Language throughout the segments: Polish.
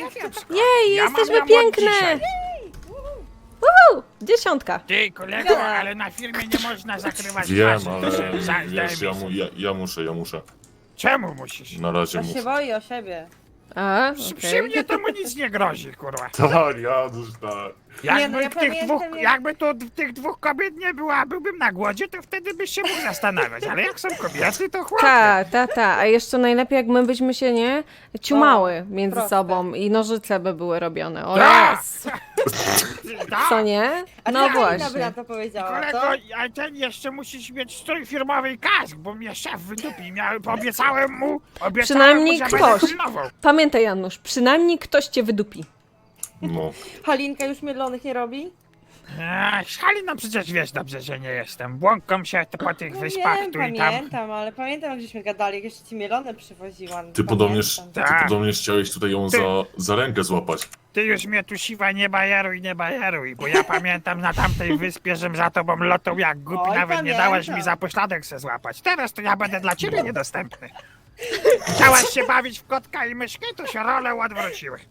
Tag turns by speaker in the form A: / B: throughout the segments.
A: kiepsko.
B: Jej,
A: Ja
B: jesteśmy
A: mam ją od
B: piękne!
A: dzisiaj.
B: Uhu, 10.
A: Ty, kolego, ale na filmie nie można zakrywać
C: Wiem,
A: twarzy.
C: ale
A: To się
C: wiesz,
A: zdejmie.
C: ja muszę.
A: Czemu musisz?
C: Na razie
D: To się
C: muszę.
D: boi o siebie.
B: A,
A: Przy mnie to mu nic nie grozi, kurwa.
C: Tak, Janusz, tak.
A: Jakby,
D: no ja pamiętam, jak-
A: jakby tu tych dwóch kobiet nie było, a byłbym na głodzie, to wtedy byś się mógł zastanawiać. Ale jak są kobiety, to chłopie.
B: Ta. A jeszcze najlepiej, jak my byśmy się, nie, ciumały między
D: proste.
B: sobą i nożyce by były robione. O
A: Tak!
B: jest.
A: Tak.
B: Co nie?
D: A
B: No
D: co Halina by na
B: właśnie.
D: to powiedziała,
A: Kolego,
D: co?
A: a ten jeszcze musisz mieć strój firmowy i kask, bo mnie szef wydupi. Obiecałem mu,
B: Przynajmniej
A: że
B: ktoś.
A: będę pilnował.
B: Pamiętaj, Janusz, przynajmniej ktoś cię wydupi.
C: No.
D: Halinka już mielonych nie robi?
A: Halina, przecież wiesz dobrze, że nie jestem. Błąkam się po tych
D: No
A: wyspach
D: wiem,
A: tu i tam.
D: pamiętam, ale pamiętam jak żeśmy gadali, jak jeszcze ci mielone przywoziłam.
C: Ty podobnież,
D: Pamiętam.
C: ty
A: Tak.
C: podobnież chciałeś tutaj ją za rękę złapać.
A: Ty już mnie tu siwa nie bajeruj, bo ja pamiętam na tamtej wyspie, żem za tobą lotał jak głupi,
D: Oj,
A: nawet nie
D: pamiętam.
A: dałeś mi za pośladek se złapać. Teraz to ja będę dla ciebie niedostępny. Chciałaś się bawić w kotka i myszkę, to się role odwróciły.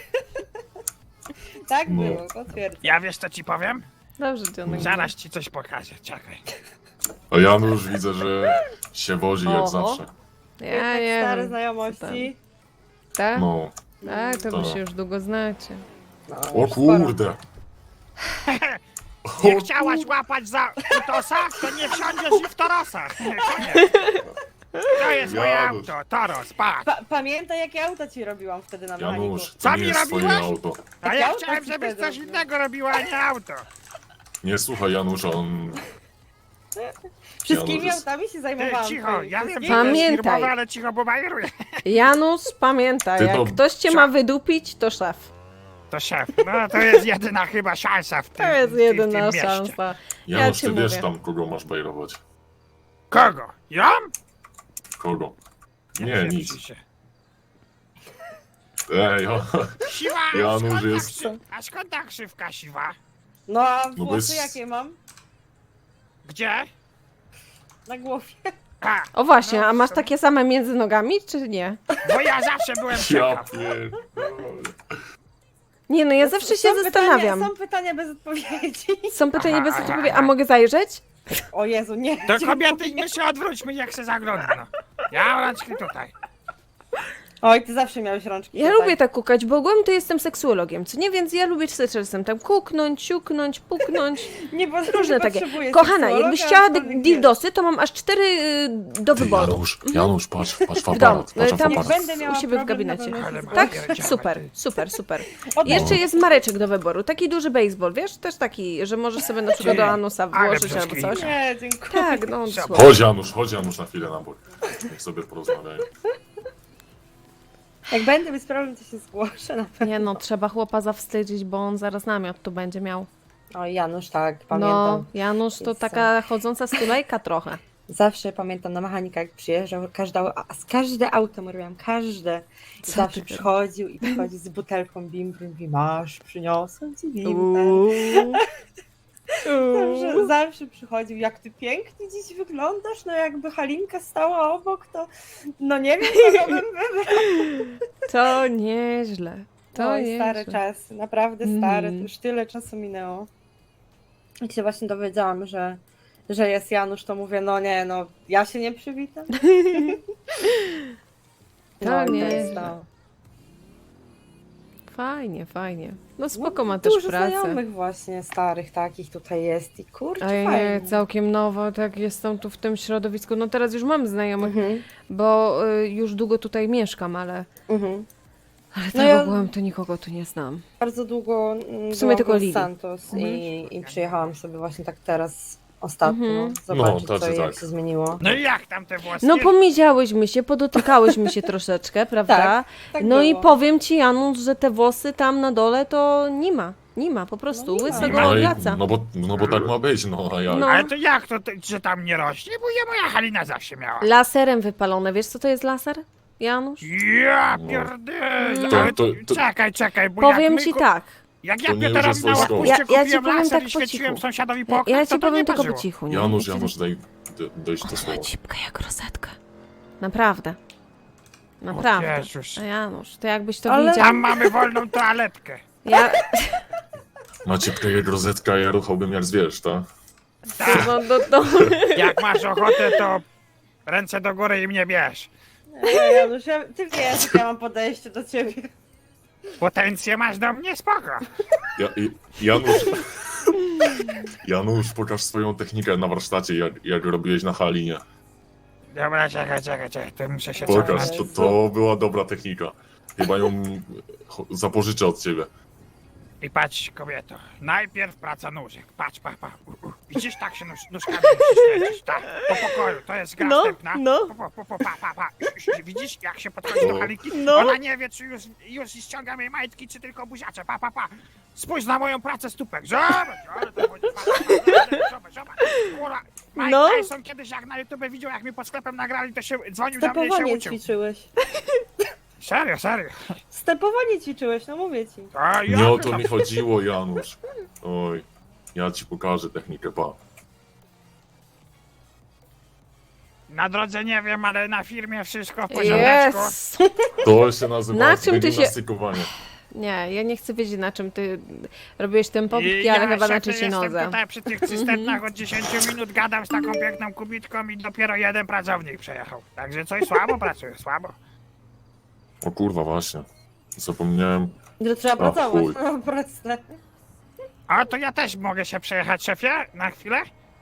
D: Tak
C: No.
D: było, potwierdzam.
A: Ja wiesz co ci powiem?
B: Dobrze, Johnek.
A: Zaraz ci coś pokażę, czekaj.
C: A Janusz widzę, że się wozi jak
B: Oho.
C: zawsze.
B: Ja
D: Tak
B: nie
D: stare
B: wiem.
D: znajomości.
B: Tak?
C: No.
B: Tak, to wy
C: Tak.
B: się już długo znacie.
D: No,
C: O
D: już sporo.
C: kurde.
A: Nie chciałaś łapać za utosa, to nie wsiądziesz i w Torosa. Koniec. To jest moje
C: Janusz.
A: auto, Toros, patrz.
D: Pamiętaj jakie auta ci robiłam wtedy na mechaniku.
C: Janusz,
A: Co
C: to
A: mi
C: nie jest twoje
A: robiłaś?
C: auto.
A: A ja
D: auto
A: chciałem,
D: ci
A: żebyś
D: wtedy
A: coś
D: robiłam.
A: innego robiła, a nie auto.
C: Nie słuchaj Janusza, on...
D: Wszystkimi
C: Janusz jest-
D: autami się
A: Ty,
D: zajmowałam.
A: cicho,
D: twoimi.
A: ja wiem, że
D: Wszystkimi.
A: to jest
B: Pamiętaj.
A: firmowe, ale cicho, bo bajeruję.
B: Janusz, pamiętaj,
C: Ty
B: jak
C: to-
B: ktoś cię ma wydupić, to szef.
A: To szef, no to jest jedyna chyba szansa w tym
B: To jest
A: w tym
B: jedyna
A: mieście.
B: szansa.
C: Janusz,
B: ci
C: ty wiesz
B: mówię.
C: tam, kogo masz bajrować.
A: Kogo? Ja?
C: Kogo? Nie,
A: wiem,
C: nic.
A: się.
C: Ej,
A: Siwa,
C: Janusz
A: skąd ta
C: jest-
A: a skąd ta krzywka siwa?
D: No a
C: No bo
D: włosy
C: jest-
D: jakie mam?
A: Gdzie?
D: Na głowie.
A: A,
B: O właśnie,
A: no,
B: a masz
A: w sumie-
B: takie same między nogami, czy nie?
A: Bo ja zawsze byłem
C: ja
A: ciekaw.
C: pierdolę.
B: Nie, no ja zawsze się zastanawiam.
D: Są pytania bez odpowiedzi.
B: Są pytania
A: Aha,
B: bez
A: aha,
B: odpowiedzi, a
A: aha.
B: mogę zajrzeć?
D: O Jezu, nie.
A: To
D: dziękuję.
A: kobiety, my się odwróćmy, jak się zagląda. No. Ja rączki tutaj.
D: Oj, ty zawsze miałeś rączki.
B: Ja
D: tutaj.
B: lubię tak kukać, bo ogólnie to jestem seksuologiem, co nie? Więc ja lubię czasem tam kuknąć, siuknąć, puknąć,
D: Nie, bo
B: różne
D: nie
B: takie.
D: potrzebuję
B: Kochana,
D: seksuologa,
B: jakbyś chciała
D: aczkolwiek
B: dildosy, to mam aż 4 do
C: Ty,
B: wyboru.
C: Janusz, patrz w
B: domu.
C: aparat, patrz w
B: Tam
C: aparat.
D: Będę miała
B: u siebie w
D: problem,
B: gabinecie.
D: na pewno się
A: Ale
D: zgłoszę.
B: Tak?
A: pierdziała,
B: Super,
A: ty.
B: super.
D: O,
B: Jeszcze jest mareczek do wyboru, taki duży baseball, wiesz? Też taki, że możesz sobie na przykład do anusa
A: ale
B: włożyć albo coś.
A: brzydki.
D: Nie, dziękuję.
B: Tak, no
A: Zobacz.
B: słabo.
C: Chodź Janusz na chwilę na bok. Niech sobie porozmawiają.
D: Jak będę mieć problem, to się zgłoszę na pewno.
B: Nie no, trzeba chłopa zawstydzić, bo on zaraz namiot tu będzie miał.
D: O, Janusz, tak,
B: No,
D: pamiętam.
B: Janusz to
D: Jest
B: taka chodząca stulejka trochę.
D: Zawsze pamiętam na mechanika, jak przyjeżdżał, każde auto mu robiłam, każde. I
B: Co
D: zawsze
B: ty
D: przychodził i przychodzi z butelką bimbry i mówi, masz, przyniosłem ci bimber. Zawsze przychodził, jak ty pięknie dziś wyglądasz, no jakby Halinka stała obok, to no nie wiem, kogo bym wybrał.
B: To nieźle. To
D: Oj,
B: nieźle.
D: stare czasy, naprawdę stare, to
B: Mhm.
D: już tyle czasu minęło. Jak się właśnie dowiedziałam, że jest Janusz, to mówię, no nie, no ja się nie przywitam.
B: To
D: i
B: nieźle.
D: jest to.
B: Fajnie. No spoko ma też
D: Dużo
B: pracę.
D: znajomych właśnie starych takich tutaj jest i kurczę,
B: A ja
D: fajnie.
B: nie, całkiem nowo, tak jestem tu w tym środowisku. No teraz już mam znajomych,
D: Mhm,
B: bo już długo tutaj mieszkam, ale
D: mhm.
B: tak
D: No ja-
B: ogółem to nikogo tu nie znam.
D: Bardzo długo
B: W sumie
D: byłam
B: tylko
D: w
B: Lili.
D: Santos
B: Mhm.
D: i przyjechałam sobie właśnie tak teraz ostatnio,
B: Mhm.
D: zobaczyć
C: No,
D: co
C: tacy
D: i jak
C: tak.
D: się zmieniło.
A: No i jak tam te włosy?
B: No pomiziałyśmy się, podotykałyśmy się troszeczkę, prawda?
D: Tak, tak
B: no i
D: było.
B: powiem ci, Janusz, że te włosy tam na dole to nie ma, po prostu,
D: No nie ma.
B: łysego
C: No,
B: wraca.
C: no bo tak ma być, no a jak?
B: No.
A: Ale to jak to, że tam nie rośnie? Bo ja moja Halina zawsze miała.
B: Laserem wypalone, wiesz co to jest laser, Janusz?
A: Ja
C: No.
A: pierdolę.
C: To-
A: Ale
C: to-
A: czekaj, bo
B: Powiem
A: jak my
B: ci tak,
A: Jak
C: To
A: ja
C: nie
A: Pioterowi
C: jest
A: na
C: wojskowe.
A: łapuście
B: Ja ci
A: kupiłem
B: powiem
A: laser
B: tak
A: i
B: po
A: świeciłem
B: cichu.
A: sąsiadowi po
B: ja
A: oknach,
B: ci
A: to
B: powiem
A: nie
B: tylko po
A: parzyło.
B: cichu, nie?
C: Janusz,
B: Ja ci-
C: daj dojść do słowa.
B: Cipka jak rosetka. Naprawdę. Naprawdę.
A: Jezus.
B: A Janusz, to jakbyś to
D: Ale-
B: widział.
A: Tam mamy wolną toaletkę.
B: Ja,
C: Macie projekt rozetka, ja ruchałbym jak zwierz, tak?
A: Tak,
B: no.
A: jak masz ochotę, to ręce do góry i mnie bierz.
D: Janusz, ty wiesz, jak ja mam podejście do ciebie.
A: Potencję masz do mnie, spoko.
C: Janusz... Janusz, pokaż swoją technikę na warsztacie, jak robiłeś na Halinie.
A: Dobra, czekaj, to muszę się
C: Pokaż,
A: cofnąć.
C: to była dobra technika. Chyba ją zapożyczę od ciebie.
A: I patrz, kobieto, najpierw praca nóżek. Patrz, pa. Widzisz, tak się nóżkami musisz kręcić, tak, po pokoju, to jest gra
B: No,
A: wstępna.
B: no.
A: Pa. Widzisz, jak się podchodzi do Halinki?
B: No.
A: Ona nie wie, czy już ściągam jej majtki, czy tylko buziacze, pa. Spójrz na moją pracę stópek, zobacz, ale to chodzi, zobacz, kurwa. Mike
B: No.
A: Tyson kiedyś jak na YouTube widział, jak mi pod sklepem nagrali, to się dzwonił do mnie i się
D: Stepowanie
A: uczył.
D: ćwiczyłeś.
A: Serio.
D: Stepowanie ćwiczyłeś, no mówię ci.
A: A, ja
C: Nie o
A: to-
C: to mi chodziło, Janusz. Oj, ja ci pokażę technikę, pa.
A: Na drodze nie wiem, ale na firmie wszystko w porządeczku.
B: Jest.
C: To się nazywa
B: Na czym ty się-
C: gimnastykowanie.
B: Nie, ja nie chcę wiedzieć, na czym ty robiłeś ten pompki,
A: I
B: ale
A: ja
B: chyba na
A: szefie
B: trzeciej
A: jestem
B: nodze.
A: tutaj przy tych cysternach od 10 minut gadam z taką piękną kubitką i dopiero jeden pracownik przejechał. Także coś słabo pracuje, słabo.
C: O kurwa, właśnie. Zapomniałem.
D: Że trzeba
C: O,
D: pracować.
C: chuj.
D: No, proste.
A: A to ja też mogę się przejechać, szefie, na chwilę?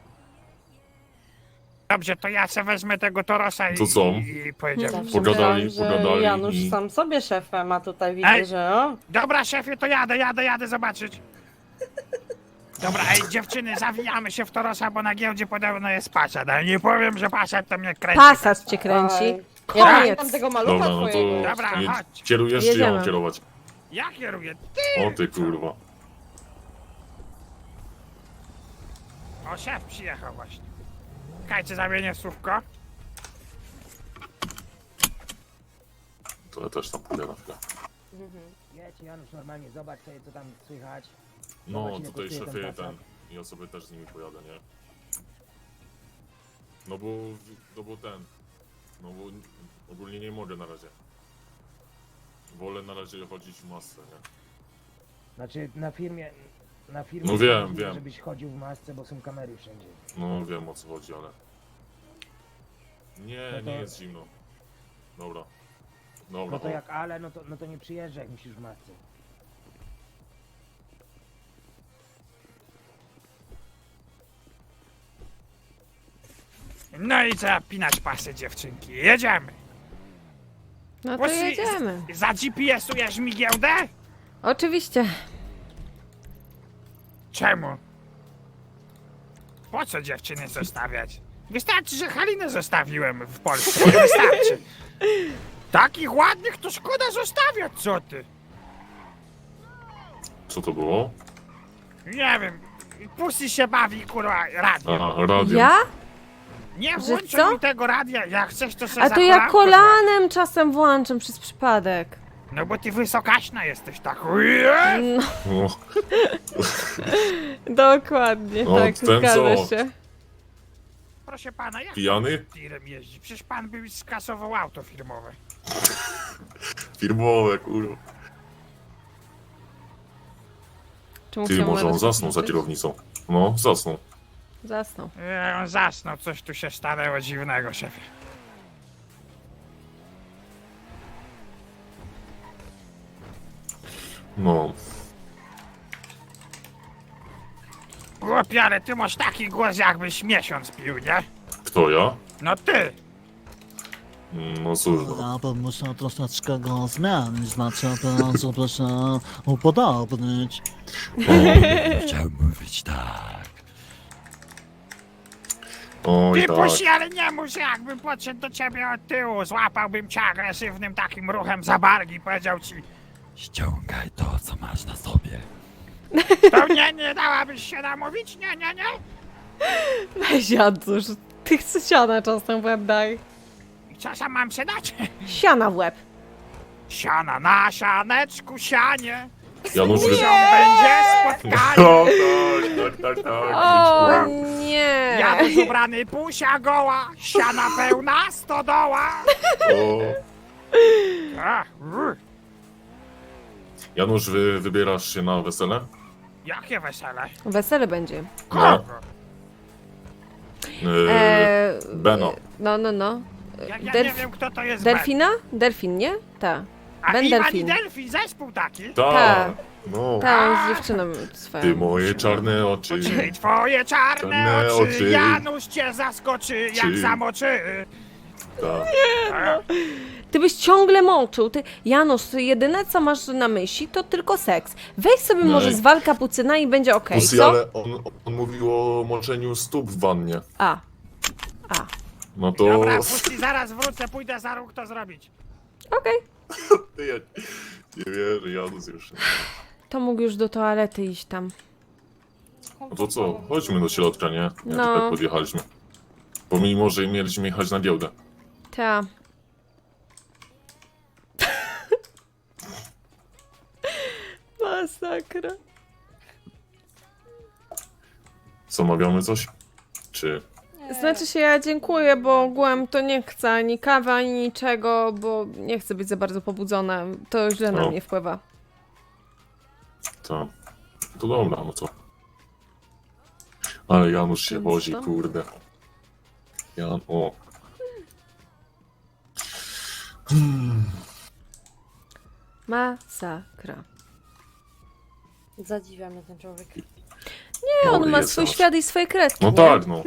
A: Dobrze, to ja se wezmę tego Torosa
C: To co?
A: i pojedziemy.
D: Zawsze
C: Pogadali,
D: myślałam, że
C: pogadali
D: Janusz
C: i-
D: sam sobie szefem, a tutaj widzę,
A: Ej.
D: że o.
A: Dobra, szefie, to jadę zobaczyć. Dobra, ej, dziewczyny, zawijamy się w Torosa, bo na giełdzie podobno jest Passat, ale nie powiem, że Passat to mnie kręci.
B: Pasat cię kręci.
D: Oj. Ja
B: Koniec.
D: pamiętam tego malucha
C: Dobra, no
D: twojego.
C: to
A: Dobra,
C: nie,
A: chodź.
C: kierujesz czy ja
B: Jedziemy.
C: mam kierować?
A: Ja kieruję.
C: O ty kurwa.
A: O, szef przyjechał właśnie. Czekajcie, zamienię słówko.
C: To ja też tam pójdę na chwilę.
E: Jedź Janusz, normalnie zobacz sobie co tam słychać.
C: No
E: Zobacz, ile
C: tutaj
E: kosztuje ten
C: szefie
E: Passat.
C: ja sobie też z nimi pojadę, nie? No bo ten. No bo ogólnie nie mogę na razie. Wolę na razie chodzić w masce, nie?
E: Znaczy na firmie
C: No wiem,
E: nie
C: wiem.
E: żebyś chodził w masce, bo są kamery wszędzie.
C: No wiem o co chodzi, ale... Nie,
E: No to-
C: nie jest zimno. Dobra. Dobra,
E: No to
C: o.
E: jak ale, no to nie przyjeżdżaj, jak musisz w masce.
A: No i zapinać pasy, dziewczynki. Jedziemy.
B: No to jedziemy.
A: Za GPS-ujesz mi giełdę?
B: Oczywiście.
A: Czemu? Po co dziewczyny zostawiać? Wystarczy, że Halinę zostawiłem w Polsce. Wystarczy. Takich ładnych to szkoda zostawiać, co ty?
C: Co to było?
A: Nie wiem. Pussy się bawi, kurwa, radio.
C: Aha, radio.
B: Ja?
A: Nie
B: Że
A: włączaj
B: co?
A: mi tego radia, jak chcesz to sobie
B: A to ja kolanem czasem włączam przez przypadek.
A: No bo ty wysokaśna jesteś tak. Ujej!
C: No,
B: Dokładnie,
C: No,
B: tak,
C: ten
B: zgadza
C: co?
B: się.
A: Proszę pana, jak
C: Pijany?
A: pan tirem jeździ? Przecież pan by skasował auto firmowe.
C: Firmowe, kurwa.
B: Czy
C: Ty,
B: musiał
C: może on
B: nawet
C: zasnął za
B: włączyć?
C: kierownicą. No, zasnął.
B: Zasnął.
A: On zasnął, coś tu się stanęło dziwnego, szefie.
C: No.
A: Głupie, ale ty masz taki głos, jakbyś miesiąc pił, nie?
C: Kto ja?
A: No ty!
C: No cóż, no.
F: Ja bym musiał troszeczkę go zmienić, znaczy bardzo proszę upodobnić.
G: Chciałem mówić tak.
C: Oj,
A: Ty
C: tak.
A: pusi, ale nie mów, że jakbym podszedł do ciebie od tyłu, złapałbym cię agresywnym takim ruchem za barki i powiedział ci,
G: Ściągaj to, co masz na sobie.
A: to mnie nie dałabyś się namówić? Nie.
B: Weź Janusz, ty chcesz siana czasem w łeb daj.
A: I co sam mam się dać?
B: Siana w łeb.
A: Siana na sianeczku, sianie.
C: Janusz, wy...
A: Się będzie spotkanie.
C: No, tak.
B: O nie!
A: Janusz ubrany, pusia goła, siana pełna stodoła.
C: O,
A: A,
C: Janusz, wybierasz się na wesele?
A: jakie wesele?
B: Wesele będzie.
C: No.
A: Kogo?
C: Beno.
B: No.
A: Jak ja
B: Delf-
A: nie wiem, kto to jest Ben.
B: Delfina? Delfin, nie? Ta.
A: A
B: Ben
A: Iwan i
B: Delfin.
A: Delfin, zespół taki.
C: Tak. No.
B: Ta, z dziewczyną swoją.
C: Ty moje czarne oczy.
A: Czyli twoje czarne
C: Czarne
A: oczy,
C: oczy.
A: Janusz cię zaskoczy, jak
C: Czy-
A: zamoczy.
C: Tak.
B: Ty byś ciągle mączył. Ty, Janusz, ty jedyne co masz na myśli to tylko seks. Weź sobie
C: Nie.
B: może zwal kapucyna i będzie okej,
C: Pussy,
B: co?
C: ale on mówił o moczeniu stóp w wannie.
B: A.
C: No to...
A: Dobra, puści, zaraz wrócę, pójdę za róg to zrobić.
B: Okej.
C: Ty, ja nie wierzę, Janusz już.
B: To mógł już do toalety iść tam.
C: No to co, chodźmy do środka, nie? Jak
B: No.
C: tak podjechaliśmy. Pomimo, że mieliśmy jechać na giełdę.
B: Ta. Masakra.
C: Zamawiamy coś? Czy...
B: Znaczy się ja dziękuję, bo ogółem to nie chcę ani kawy, ani niczego, bo nie chcę być za bardzo pobudzona. To źle na
C: No.
B: mnie wpływa.
C: To dobra, no co? Ale Janusz się
B: Więc
C: wozi,
B: to?
C: kurde. O.
B: Masakra.
D: Zadziwia mnie ten człowiek.
B: Nie, on ma
C: jest
B: swój
C: Janusz.
B: świat i swoje kredki.
C: No
B: nie?
C: tak, no.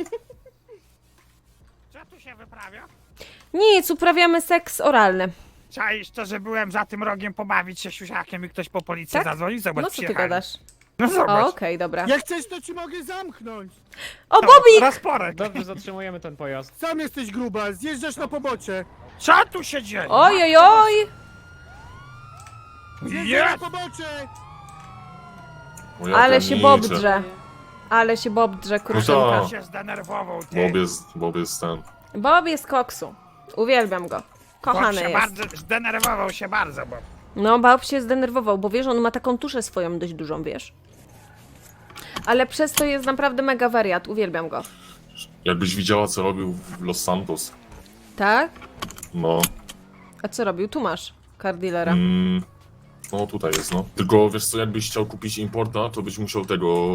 A: Co tu się wyprawia?
B: Nic, uprawiamy seks oralny.
A: Czaisz to, że byłem za tym rogiem pobawić się siusiakiem i ktoś po policji
B: Tak?
A: zadzwonił? Zobacz,
B: No co ty
A: przyjechali.
B: gadasz?
A: No
B: O,
A: zobacz.
B: okej, dobra.
H: Jak chcesz, to ci mogę zamknąć.
B: O, Bobik!
A: Rozporek.
I: Dobrze, zatrzymujemy ten pojazd.
H: Sam jesteś gruba, zjeżdżasz na pobocze.
A: Co tu się dzieje?
B: Oj, oj, oj!
H: Zjeżdżaj
A: Jest!
H: na pobocze.
C: O, ja
B: Ale
C: pierniczę.
B: się Bob drze. Ale się Bob drze, kruszynka.
C: tak.
A: się zdenerwował, ty.
C: Bob jest ten.
B: Bob jest koksu. Uwielbiam go. Kochany
A: się
B: jest.
A: bardzo, zdenerwował się bardzo, bo...
B: No, Bob się zdenerwował, bo wiesz, on ma taką tuszę swoją dość dużą, wiesz. Ale przez to jest naprawdę mega wariat, uwielbiam go.
C: Jakbyś widziała, co robił w Los Santos.
B: Tak?
C: No.
B: A co robił? Tu masz car dealera.
C: No tutaj jest, no. Tylko wiesz co, jakbyś chciał kupić importa, to byś musiał tego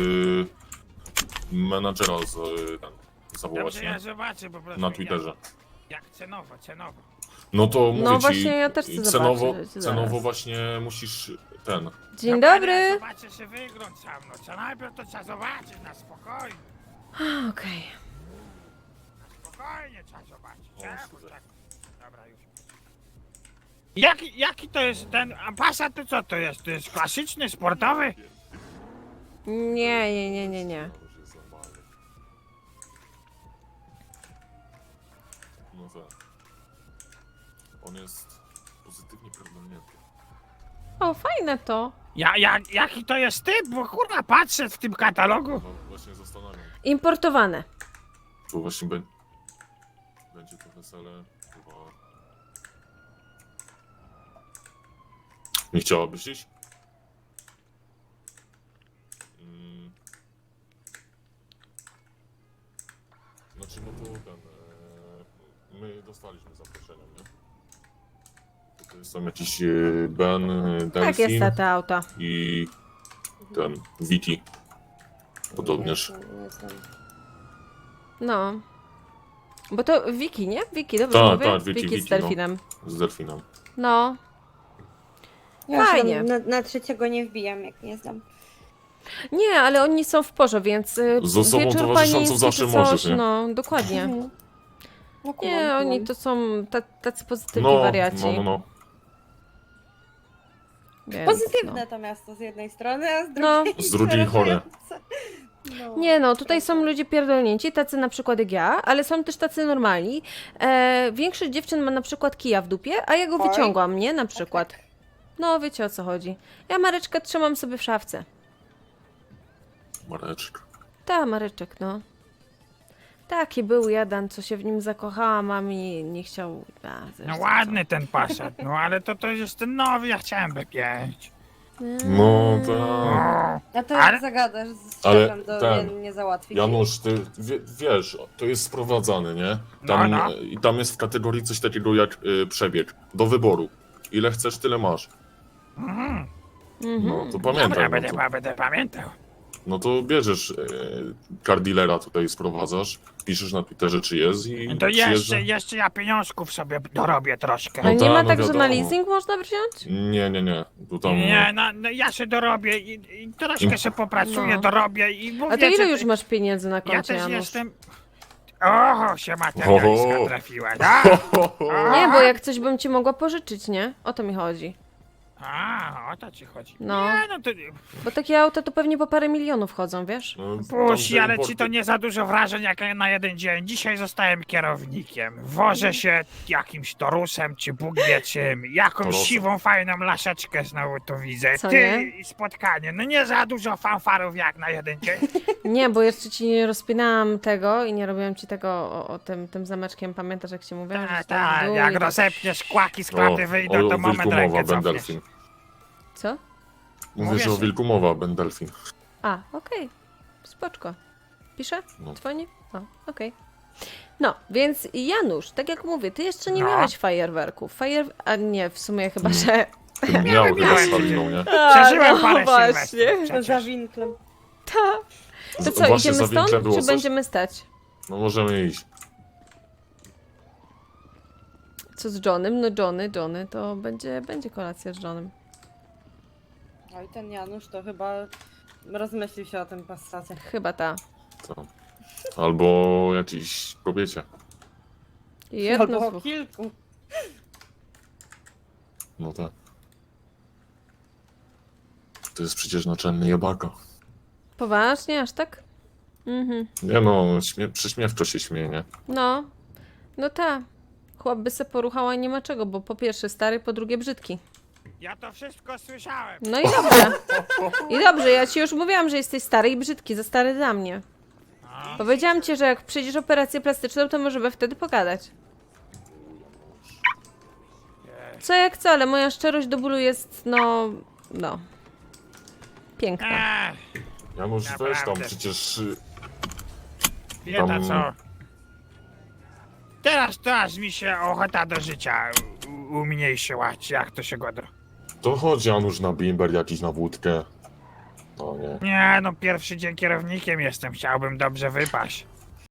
C: menadżera zawołać,
A: Dobrze,
C: nie?
A: ja zobaczę po prostu.
C: Na Twitterze.
A: Jak cenowo, cenowo.
C: No to mówię ci,
B: właśnie ja też chcę
C: cenowo,
B: zobaczyć, zaraz.
C: cenowo właśnie musisz ten.
B: Dzień
A: No, ale
B: dobry.
A: Zobaczę się wygląd sam, no co najpierw to trzeba zobaczyć na spokojnie.
B: Okej.
A: Spokojnie trzeba zobaczyć.
C: O,
A: Czemu
C: super.
A: tak? Dobra, już. Jaki to jest ten, a Passat to co to jest? To jest klasyczny, sportowy?
B: Nie.
C: No tak. On jest pozytywnie pierdolnięty.
B: O, fajne to.
A: Jaki to jest typ? Bo kurwa patrzę w tym katalogu.
C: No właśnie zastanawiam.
B: Importowane.
C: Tu właśnie będzie to wesele. Chyba... Nie chciałabyś iść? Znaczy no to ten... my dostaliśmy zaproszenia, nie? Tutaj są jakiś Ben,
B: Tak jest
C: Delfin
B: te auta.
C: i ten Viti. Podobnież.
B: No. Bo to Wiki, nie? Wiki, dobrze mówię?
C: tak, Wiki,
B: z
C: Wiki,
B: delfinem.
C: Z delfinem.
B: No.
D: Ja
B: Fajnie.
D: się na trzeciego nie wbijam, jak nie znam.
B: Nie, ale oni są w porze, więc
C: Z osobą
B: wieczór
C: towarzyszącą
B: panieński
C: zawsze
B: czy coś,
C: możesz, nie?
B: no, dokładnie.
D: No,
B: Nie, oni to są tacy pozytywni
C: No,
B: wariaci.
C: no.
B: Więc,
D: Pozytywne to miasto z jednej strony, a z
B: No.
D: drugiej
C: Z drugiej chore.
D: No.
B: Nie no, tutaj są ludzie pierdolnięci, tacy na przykład jak ja, ale są też tacy normalni. Większość dziewczyn ma na przykład kija w dupie, a ja go
D: Oj.
B: wyciągam, nie? Na przykład. No, wiecie o co chodzi. Ja Mareczkę trzymam sobie w szafce.
C: Mareczek.
B: Ta, Mareczek, no. Taki był jeden, co się w nim zakochałam, a mi nie chciał...
A: No ładny ten Passat, no ale to jest ten nowy, ja chciałem B5.
C: No tak.
A: O,
D: A to
A: Ale-
D: jak zagadasz z
C: Ale
D: szefem, to
C: ten,
D: nie załatwi.
C: Janusz, ty wiesz, to jest sprowadzane, nie? Tam,
A: No.
C: I tam jest w kategorii coś takiego jak przebieg. Do wyboru. Ile chcesz, tyle masz. No to pamiętaj.
A: Dobra,
C: No to,
A: będę pamiętał.
C: no to bierzesz car dealera tutaj sprowadzasz, piszesz na Twitterze czy jest i
A: To
C: przyjeżdża.
A: jeszcze ja pieniążków sobie dorobię troszkę.
B: A nie
C: tak,
B: ma
C: no
B: tak, że na
C: wiadomo.
B: leasing można wziąć?
C: Nie. Tu tam,
A: Nie, no ja się dorobię i troszkę się popracuję,
B: No.
A: dorobię i mówię,
B: A to ile
A: że-
B: już masz pieniędzy na
A: Ja
B: koncie,
A: też
B: Janusz?
A: jestem... Oho, się materialistka
C: Oho.
A: trafiła.
B: Nie, bo jak coś bym ci mogła pożyczyć, nie? O to mi chodzi.
A: A, o to ci chodzi.
B: No.
A: Nie, no to...
B: Bo takie auta to pewnie po parę milionów chodzą, wiesz?
C: No,
A: Puści,
C: tam
A: ale
C: importy-
A: ci to nie za dużo wrażeń jak na jeden dzień. Dzisiaj zostałem kierownikiem. Wożę się jakimś torusem, czy Bóg wie czym. Jakąś
C: Torusem.
A: siwą, fajną laszeczkę znowu tu widzę.
B: Co
A: Ty
B: nie?
A: i spotkanie. No nie za dużo fanfarów jak na jeden dzień.
B: Nie, bo jeszcze ci nie rozpinałam tego i nie robiłam ci tego o tym zameczkiem. Pamiętasz, jak ci mówiłam? że
A: Tak,
B: stoi w
A: tak,
B: dół
A: jak
B: i tak-
A: rozepniesz kłaki z klaty wyjdą, to moment
C: wilku
A: rękę
C: mowa, Ben
A: cofniesz.
C: Delfin.
B: Co?
C: Mówię,
A: Mówię,
C: że o
A: że-
C: wilku mowa, Ben Delfin.
B: A, okej. Spoczko. Pisze?
C: No.
B: Dzwoni? O, okej. No, więc Janusz, tak jak mówię, ty jeszcze nie
A: No.
B: miałeś fajerwerków. A nie, w sumie chyba, że...
C: Ty miał chyba
A: miałem.
C: z Haliną, nie?
A: Przeżyłem parę
B: właśnie.
A: sylwestrów
D: To
A: przecież.
D: za winklem.
B: To co,
C: Właśnie
B: idziemy
C: za winklem
B: stąd,
C: było
B: czy
C: coś?
B: będziemy stać?
C: No możemy iść.
B: Co z Johnem? No Johnny, to będzie kolacja z Johnem.
D: Oj, ten Janusz to chyba rozmyślił się o tym Passacie.
B: Chyba ta.
C: To. Albo jakiejś kobiecie.
B: Jedno
D: Albo o
B: słowo.
D: kilku.
C: No tak. To jest przecież naczelny jebaka.
B: Poważnie, aż tak? Mhm.
C: Nie no, przyśmiewczo się śmieje, nie?
B: No ta. Chłop by se poruchała i nie ma czego, bo po pierwsze stary, po drugie brzydki.
A: Ja to wszystko słyszałem.
B: No i dobrze. I dobrze, ja ci już mówiłam, że jesteś stary i brzydki, za stary dla mnie. Powiedziałam ci, że jak przejdziesz operację plastyczną, to możemy wtedy pogadać. Co jak co, ale moja szczerość do bólu jest, no. Piękna.
A: Ech,
C: Janusz, weź tam
A: Naprawdę.
C: przecież...
A: wieta
C: Tam-
A: co. Teraz to aż mi się ochota do życia umniejszyła, czy jak to się godro.
C: To chodź Janusz na bimber jakiś na wódkę. No nie.
A: Nie, no pierwszy dzień kierownikiem jestem, chciałbym dobrze wypaść.